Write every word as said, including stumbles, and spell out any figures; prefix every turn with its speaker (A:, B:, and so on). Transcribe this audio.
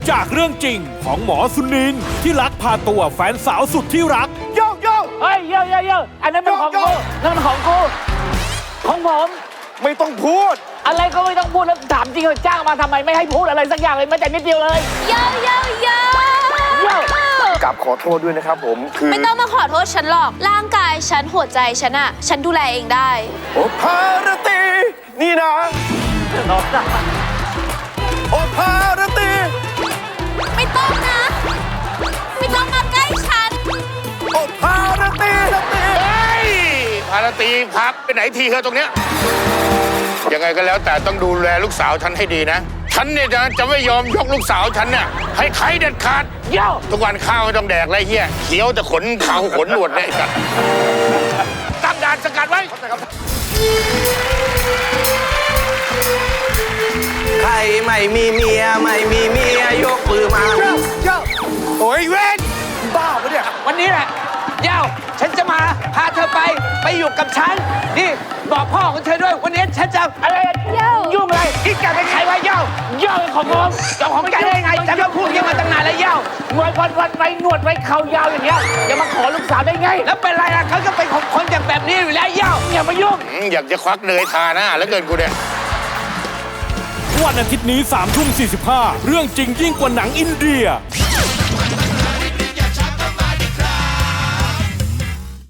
A: จากเรื่องจริงของหมอสุนินท์ที่ลักพาตัวแฟนสาวสุดที่รักโยกโยก
B: เฮ้ยเยอะเยอะเยอะอันนั้นเป็นของกูนั่นมันของกูของผม
C: ไม่ต้องพูด
B: อะไรก็ไม่ต้องพูดแล้วถามจริงเหรอจ้างมาทำไมไม่ให้พูดอะไรสักอย่างเลยแม้แต่นิดเดียวเลย
D: เยอะเยอะเยอะ
B: เยอะ
C: กลับขอโทษด้วยนะครับผมคือ
D: ไม่ต้องมาขอโทษฉันหรอก ร่างกายฉันหัวใจฉันอะฉันดูแลเองได้
C: โอภารตีนี่นะโอภารตี
D: ไม่ต้องนะ ไม่ต้องมาใกล้ฉัน
C: โอภารตีนะตี
E: เฮ้ยพาราตีพักไปไหนทีเธอตรงเนี้ยยังไงก็แล้วแต่ต้องดูแลลูกสาวฉันให้ดีนะ ฉันเนี่ยจะจะไม่ยอมยกลูกสาวฉันเนี่ยให้ใครเด็ดขาด
B: เยอะ
E: ทุกวันข้าวไม่ต้องแดกไรเฮียเขียวแต่ขนเขาขนหนวดเนี่ยไอ้สัตว์ตั้งด่านสกัดไว้
F: ใครไม่มีเมียไม่มีเมียยกมือมา
E: โอ้ยเว้น
C: บ้าปะเนี่ย
F: วันนี้แหละเย้าฉันจะมาพาเธอไปไปอยู่กับฉันนี่บอกพ่อของเธอด้วยวันนี้ฉันจะ
B: อะไร
D: เยอะ
B: ยุ่งอะไรที่แกเป็นใครวะเยอะเยอะเป็นของผมเจ้าของ
F: ไม่
B: แก
F: ได้
B: ได้
F: ไง
B: ไง
F: ฉันก็พูดอยังมาตั้งนานแล้วเย้า
B: หนวดวันวันไว้หนวดไว้เข่ายาวอย่างเงี้ยอย่ามาขอลูกสาวได้ไง
F: แล้วเป็นไรล่ะเขาก็เป็นของคนอย่างแบบนี้อยู่แล้วเย้า
B: อย่ามายุ่ง
E: อืมอยากจะควักเนยทาหน้าแล้วเกินกูเนี่ย
A: วันอาทิตย์นี้สามทุ่มสี่สิบห้าเรื่องจริงยิ่งกว่าหนังอินเดีย